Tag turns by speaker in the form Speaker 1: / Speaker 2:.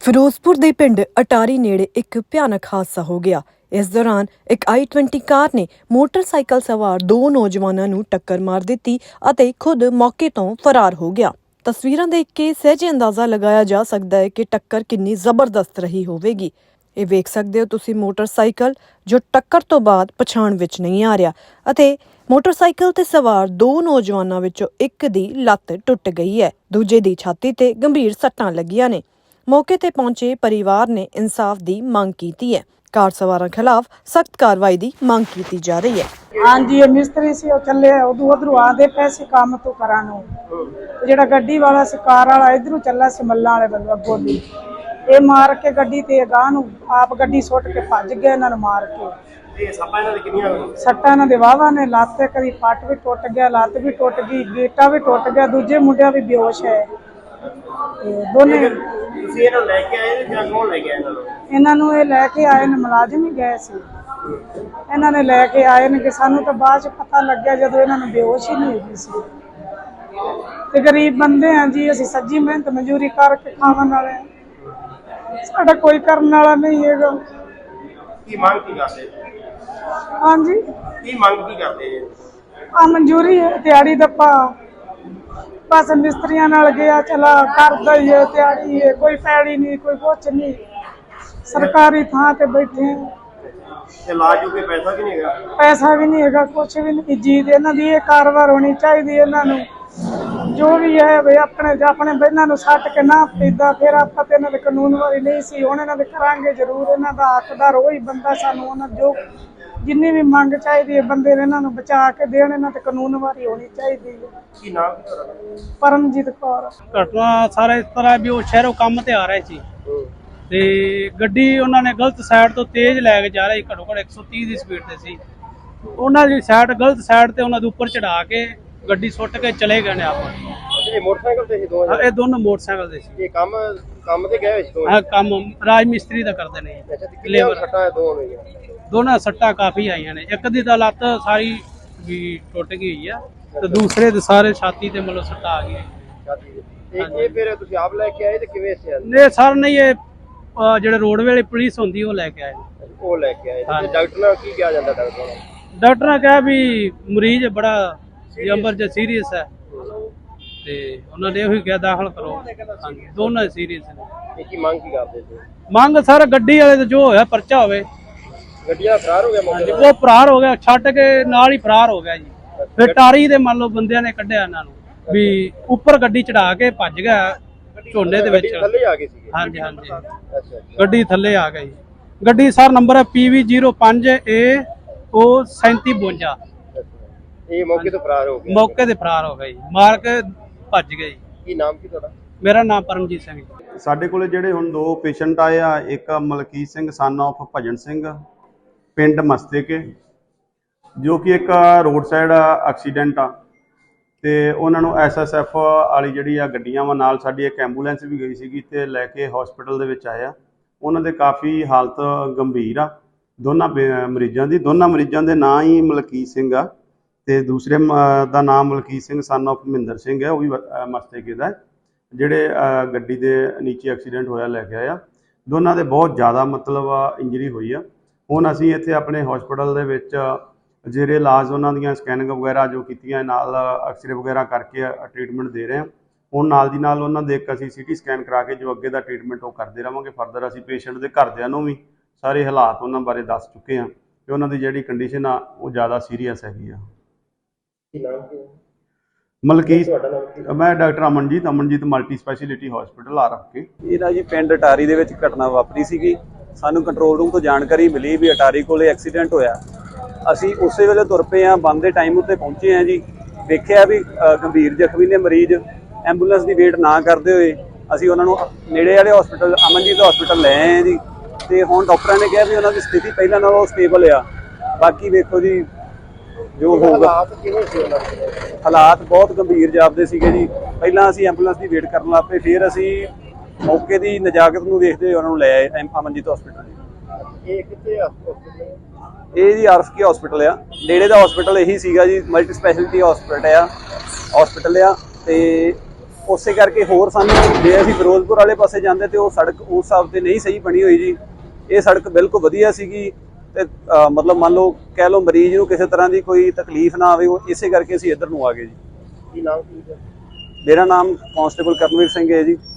Speaker 1: ਫਿਰੋਜ਼ਪੁਰ ਦੇ ਪਿੰਡ ਅਟਾਰੀ ਨੇੜੇ ਇੱਕ ਭਿਆਨਕ ਹਾਦਸਾ ਹੋ ਗਿਆ। ਇਸ ਦੌਰਾਨ ਇੱਕ i20 ਕਾਰ ਨੇ ਮੋਟਰਸਾਈਕਲ ਸਵਾਰ ਦੋ ਨੌਜਵਾਨਾਂ ਨੂੰ ਟੱਕਰ ਮਾਰ ਦਿੱਤੀ ਅਤੇ ਖੁਦ ਮੌਕੇ ਤੋਂ ਫਰਾਰ ਹੋ ਗਿਆ। ਤਸਵੀਰਾਂ ਦੇਖ ਕੇ ਸਹਿਜੇ ਅੰਦਾਜ਼ਾ ਲਗਾਇਆ ਜਾ ਸਕਦਾ ਹੈ ਕਿ ਟੱਕਰ ਕਿੰਨੀ ਜ਼ਬਰਦਸਤ ਰਹੀ ਹੋਵੇਗੀ। ਇਹ ਵੇਖ ਸਕਦੇ ਹੋ ਤੁਸੀਂ ਮੋਟਰਸਾਈਕਲ ਜੋ ਟੱਕਰ ਤੋਂ ਬਾਅਦ ਪਛਾਣ ਵਿੱਚ ਨਹੀਂ ਆ ਰਿਹਾ ਅਤੇ ਮੋਟਰਸਾਈਕਲ ਤੇ ਸਵਾਰ ਦੋ ਨੌਜਵਾਨਾਂ ਵਿੱਚੋਂ ਇੱਕ ਦੀ ਲੱਤ ਟੁੱਟ ਗਈ ਹੈ, ਦੂਜੇ ਦੀ ਛਾਤੀ ਤੇ ਗੰਭੀਰ ਸੱਟਾਂ ਲੱਗੀਆਂ ਨੇ। ਮੌਕੇ ਤੇ ਪਹੁੰਚੇ ਪਰਿਵਾਰ ਨੇ ਇਨਸਾਫ ਦੀ ਮੰਗ ਕੀਤੀ ਹੈ। ਕਾਰ ਸਵਾਰਾਂ ਖਿਲਾਫ ਸਖਤ ਕਾਰਵਾਈ ਦੀ ਮੰਗ ਕੀਤੀ ਜਾ ਰਹੀ ਹੈ।
Speaker 2: हाँ जी, ये मिस्त्री से चले उधरों आते पैसे काम तो करा जो गड्डी वाला से कार वाला इधरों चला से मल्ला वाले बंद अगों दी ये मार के गड्डी ते गाह आप गड्डी सुट के भज गए इन्होंने मार के। सट्टा इन्होंने वाहवा ने लत्त कभी पट भी टुट गया, लत्त भी टुट गई, गेटा भी टुट गया, दूजे मुंडिया भी बेहोश है। दोने इन्होंने लैके आए ने मुलाजिम ही गए सी, इन्होंने लैके आए ने कि सानू तो बाद पता लग गया जदों इन्होंने बेहोश ही नहीं हुई सी। ते गरीब बंदे हैं जी, असीं सज्जी मेहनत मजूरी करके खावन वाले साडा कोई करने वाला नहीं है। हाँ जी, आ मंजूरी है दिहाड़ी दप्पा बस मिस्त्रियां नाल गया चला करदा ही है, दिहाड़ी है, कोई पैड़ी नहीं, कोई कुछ नहीं, सरकारी थां ते बैठे हैं। पैसा भी नहीं है, कुछ भी नहीं। जीत इन्हां दी कारवार होनी चाहिए। इन्हों जो भी है वे अपने इन्हों सट के ना पीदा फिर आप इन्होंने कानून वाली नहीं सी हुण इन्होंने करांगे जरूर। इन्हों का हकदार वही बंदा सानू जो जिन्नी भी मंग चाहिए बंदे ने इन्हों बचा के देण, इन्हों ते कानून वाली होनी चाहिए। परमजीत कौर।
Speaker 3: घटना सारा इस तरह भी वो शहरों काम ते आ रहे सी ते गड्डी उन्होंने गलत साइड तो तेज लैके जा रही, घट्टो घट्ट 130 की स्पीड से सी। उन्होंने साइड गलत साइड ते उन्होंने ऊपर चढ़ा के गड्डी सुट के चले गए ने। आप
Speaker 4: मोटरसाइकिल ते दो
Speaker 3: ये दोनों मोटरसाइकिल ते सी।
Speaker 4: ये काम ते गए दो।
Speaker 3: हां, काम राज मिस्त्री दा करदे ने।
Speaker 4: लेबर सट्टा दो में
Speaker 3: दोनों सट्टा काफी आईयां ने। एक दी दा लत्त सारी भी टुट गई है ते दूसरे दे सारे छाती ते मतलब सट्टा आ गई।
Speaker 4: ये फिर तुसी आप लेके आए ते किवें से
Speaker 3: ने सर ने ये ਜਿਹੜੇ ਰੋਡ ਵੇਲੇ ਪੁਲਿਸ ਹੁੰਦੀ ਉਹ ਲੈ ਕੇ ਆਏ।
Speaker 4: ਉਹ ਲੈ ਕੇ ਆਏ ਤੇ ਡਾਕਟਰ ਨਾਲ ਕੀ ਕਿਹਾ ਜਾਂਦਾ?
Speaker 3: ਡਾਕਟਰ ਨੇ ਕਿਹਾ ਵੀ ਮਰੀਜ਼ ਬੜਾ ਐਮਰਜੈਂਸੀ ਸੀਰੀਅਸ ਹੈ ਤੇ ਉਹਨਾਂ ਨੇ ਉਹੀ ਕਿਹਾ ਦਾਖਲ ਕਰੋ। ਹਾਂਜੀ, ਦੋਨੋਂ ਸੀਰੀਅਸ ਨੇ।
Speaker 4: ਕੀ ਮੰਗ ਕੀ ਕਰਦੇ ਸੀ?
Speaker 3: ਮੰਗ ਸਰ ਗੱਡੀ ਵਾਲੇ ਤੇ ਜੋ ਹੋਇਆ ਪਰਚਾ ਹੋਵੇ।
Speaker 4: ਗੱਡੀਆਂ ਫਰਾਰ ਹੋ ਗਿਆ ਮੌਕੇ
Speaker 3: ਉਹ ਫਰਾਰ ਹੋ ਗਿਆ, ਛੱਡ ਕੇ ਨਾਲ ਹੀ ਫਰਾਰ ਹੋ ਗਿਆ ਜੀ। ਫਿਰ ਟਾਰੀ ਦੇ ਮੰਨ ਲਓ ਬੰਦਿਆਂ ਨੇ ਕੱਢਿਆ ਇਹਨਾਂ ਨੂੰ ਵੀ ਉੱਪਰ ਗੱਡੀ ਚੜਾ ਕੇ ਭੱਜ ਗਿਆ ਝੋਨੇ ਦੇ ਵਿੱਚ।
Speaker 4: ਥੱਲੇ ਆ ਗਏ ਸੀ?
Speaker 3: ਹਾਂਜੀ ਹਾਂਜੀ,
Speaker 4: ਅੱਛਾ
Speaker 3: ਗੱਡੀ ਥੱਲੇ ਆ ਗਈ। ਗੱਡੀ ਸਰ ਨੰਬਰ ਹੈ PV05A O 3752।
Speaker 4: ਇਹ ਮੌਕੇ ਤੋਂ ਫਰਾਰ ਹੋ ਗਿਆ?
Speaker 3: ਮੌਕੇ ਤੇ ਫਰਾਰ ਹੋ ਗਈ, ਮਾਰ ਕੇ ਭੱਜ ਗਈ।
Speaker 4: ਕੀ ਨਾਮ ਕੀ ਤੁਹਾਡਾ?
Speaker 3: ਮੇਰਾ ਨਾਮ ਪਰਮਜੀਤ ਸਿੰਘ ਜੀ।
Speaker 5: ਸਾਡੇ ਕੋਲੇ ਜਿਹੜੇ ਹੁਣ ਦੋ ਪੇਸ਼ੈਂਟ ਆਏ ਆ, ਇੱਕ ਮਲਕੀਤ ਸਿੰਘ ਸਨ ਆਫ ਭਜਨ ਸਿੰਘ ਪਿੰਡ ਮਸਤੇਕੇ, ਜੋ ਕਿ ਇੱਕ ਰੋਡ ਸਾਈਡ ਐਕਸੀਡੈਂਟ ਆ ਤੇ ਉਹਨਾਂ ਨੂੰ SSF ਵਾਲੀ ਜਿਹੜੀ ਆ ਗੱਡੀਆਂ ਵਾ ਨਾਲ, ਸਾਡੀ ਇੱਕ ਐਂਬੂਲੈਂਸ ਵੀ ਗਈ ਸੀਗੀ ਤੇ ਲੈ ਕੇ ਹਸਪੀਟਲ ਦੇ ਵਿੱਚ ਆਇਆ। ਉਹਨਾਂ ਦੇ ਕਾਫੀ ਹਾਲਤ ਗੰਭੀਰ ਆ ਦੋਨਾਂ ਮਰੀਜ਼ਾਂ ਦੀ। ਦੋਨਾਂ ਮਰੀਜ਼ਾਂ ਦੇ ਨਾਂ ਹੀ ਮਲਕੀਤ ਸਿੰਘ ਆ ਤੇ ਦੂਸਰੇ ਦਾ ਨਾਮ ਮਲਕੀਤ ਸਿੰਘ ਸਨ ਆਫ ਮਹਿੰਦਰ ਸਿੰਘ ਹੈ, ਉਹ ਵੀ ਮਸਤੇਕੇ ਦਾ। ਜਿਹੜੇ ਗੱਡੀ ਦੇ ਨੀਚੇ ਐਕਸੀਡੈਂਟ ਹੋਇਆ ਲੈ ਕੇ ਆਇਆ, ਦੋਨਾਂ ਦੇ ਬਹੁਤ ਜ਼ਿਆਦਾ ਮਤਲਬ ਇੰਜਰੀ ਹੋਈ ਆ। ਹੁਣ ਅਸੀਂ ਇੱਥੇ ਆਪਣੇ ਹਸਪੀਟਲ ਦੇ ਵਿੱਚ ਜਿਹੜੇ ਇਲਾਜ ਉਹਨਾਂ ਦੀਆਂ ਸਕੈਨਿੰਗ ਵਗੈਰਾ ਜੋ ਕੀਤੀਆਂ, ਨਾਲ ਐਕਸਰੇ ਵਗੈਰਾ ਕਰਕੇ ਟ੍ਰੀਟਮੈਂਟ ਦੇ ਰਹੇ ਹਾਂ। ਹੁਣ ਨਾਲ ਦੀ ਨਾਲ ਉਹਨਾਂ ਦੇ ਇੱਕ ਅਸੀਂ CT ਸਕੈਨ ਕਰਾ ਕੇ ਜੋ ਅੱਗੇ ਦਾ ਟ੍ਰੀਟਮੈਂਟ ਉਹ ਕਰਦੇ ਰਹਾਂਗੇ। ਫਰਦਰ ਅਸੀਂ ਪੇਸ਼ੈਂਟ ਦੇ ਘਰਦਿਆਂ ਨੂੰ ਵੀ ਸਾਰੇ ਹਾਲਾਤ ਉਹਨਾਂ ਬਾਰੇ ਦੱਸ ਚੁੱਕੇ ਹਾਂ ਕਿ ਉਹਨਾਂ ਦੀ ਜਿਹੜੀ ਕੰਡੀਸ਼ਨ ਆ ਉਹ ਜ਼ਿਆਦਾ ਸੀਰੀਅਸ ਹੈਗੀ ਆ। ਮਲਕੀਤ, ਮੈਂ doctor Amanjeet multi speciality hospital ਆ ਰੱਖੇ।
Speaker 6: ਇਹ ਨਾ ਜੀ ਪਿੰਡ ਅਟਾਰੀ ਦੇ ਵਿੱਚ ਘਟਨਾ ਵਾਪਰੀ ਸੀਗੀ। ਸਾਨੂੰ ਕੰਟਰੋਲ ਰੂਮ ਤੋਂ ਜਾਣਕਾਰੀ ਮਿਲੀ ਵੀ ਅਟਾਰੀ ਕੋਲੇ ਐਕਸੀਡੈਂਟ ਹੋਇਆ। ਅਸੀਂ ਉਸੇ ਵੇਲੇ ਤੁਰ ਪਏ ਹਾਂ, ਬੰਦ ਦੇ ਟਾਈਮ ਉੱਤੇ ਪਹੁੰਚੇ ਹਾਂ ਜੀ। ਦੇਖਿਆ ਵੀ ਗੰਭੀਰ ਜ਼ਖਮੀ ਨੇ ਮਰੀਜ਼, ਐਂਬੂਲੈਂਸ ਦੀ ਵੇਟ ਨਾ ਕਰਦੇ ਹੋਏ ਅਸੀਂ ਉਹਨਾਂ ਨੂੰ ਨੇੜੇ ਵਾਲੇ ਹਸਪੀਟਲ ਅਮਨਜੀਤ ਹਸਪੀਟਲ ਲੈ ਆਏ ਹਾਂ ਜੀ। ਤੇ ਹੁਣ ਡਾਕਟਰਾਂ ਨੇ ਕਿਹਾ ਵੀ ਉਹਨਾਂ ਦੀ ਸਥਿਤੀ ਪਹਿਲਾਂ ਨਾਲੋਂ ਸਟੇਬਲ ਆ। ਬਾਕੀ ਵੇਖੋ ਜੀ ਜੋ ਹੋਊਗਾ। ਹਾਲਾਤ ਬਹੁਤ ਗੰਭੀਰ ਜਾਪਦੇ ਸੀਗੇ ਜੀ। ਪਹਿਲਾਂ ਅਸੀਂ ਐਂਬੂਲੈਂਸ ਦੀ ਵੇਟ ਕਰਨ ਲੱਗ ਪਏ, ਫਿਰ ਅਸੀਂ ਮੌਕੇ ਦੀ ਨਜ਼ਾਕਤ ਨੂੰ ਦੇਖਦੇ ਹੋਏ ਉਹਨਾਂ ਨੂੰ ਲੈ ਆਏ ਅਮਨਜੀਤ ਹਸਪੀਟਲ।
Speaker 4: ਇਹ ਕਿੱਥੇ ਆ ਹਸਪੀਟਲ?
Speaker 6: ਇਹ ਜੀ RFK ਹਸਪੀਟਲ ਆ, ਨੇੜੇ ਦਾ ਹਸਪੀਟਲ ਇਹੀ ਸੀਗਾ ਜੀ। ਮਲਟੀ ਸਪੈਸ਼ਲਿਟੀ ਹਸਪੀਟਲ ਆ ਤੇ ਉਸੇ ਕਰਕੇ ਹੋਰ ਸਾਨੂੰ ਜੇ ਅਸੀਂ ਫਿਰੋਜ਼ਪੁਰ ਵਾਲੇ ਪਾਸੇ ਜਾਂਦੇ ਤੇ ਉਹ ਸੜਕ ਉਸ ਹਿਸਾਬ ਤੇ ਨਹੀਂ ਸਹੀ ਬਣੀ ਹੋਈ ਜੀ। ਇਹ ਸੜਕ ਬਿਲਕੁਲ ਵਧੀਆ ਸੀਗੀ ਤੇ ਮਤਲਬ ਮੰਨ ਲਓ ਕਹਿ ਲਓ ਮਰੀਜ਼ ਨੂੰ ਕਿਸੇ ਤਰ੍ਹਾਂ ਦੀ ਕੋਈ ਤਕਲੀਫ ਨਾ ਆਵੇ, ਉਹ ਇਸੇ ਕਰਕੇ ਅਸੀਂ ਇੱਧਰ ਨੂੰ ਆ ਗਏ ਜੀ।
Speaker 4: ਕੀ ਨਾਮ ਕੀ ਹੈ?
Speaker 6: ਮੇਰਾ ਨਾਮ ਕਾਂਸਟੇਬਲ ਕਰਨਵੀਰ ਸਿੰਘ ਹੈ ਜੀ।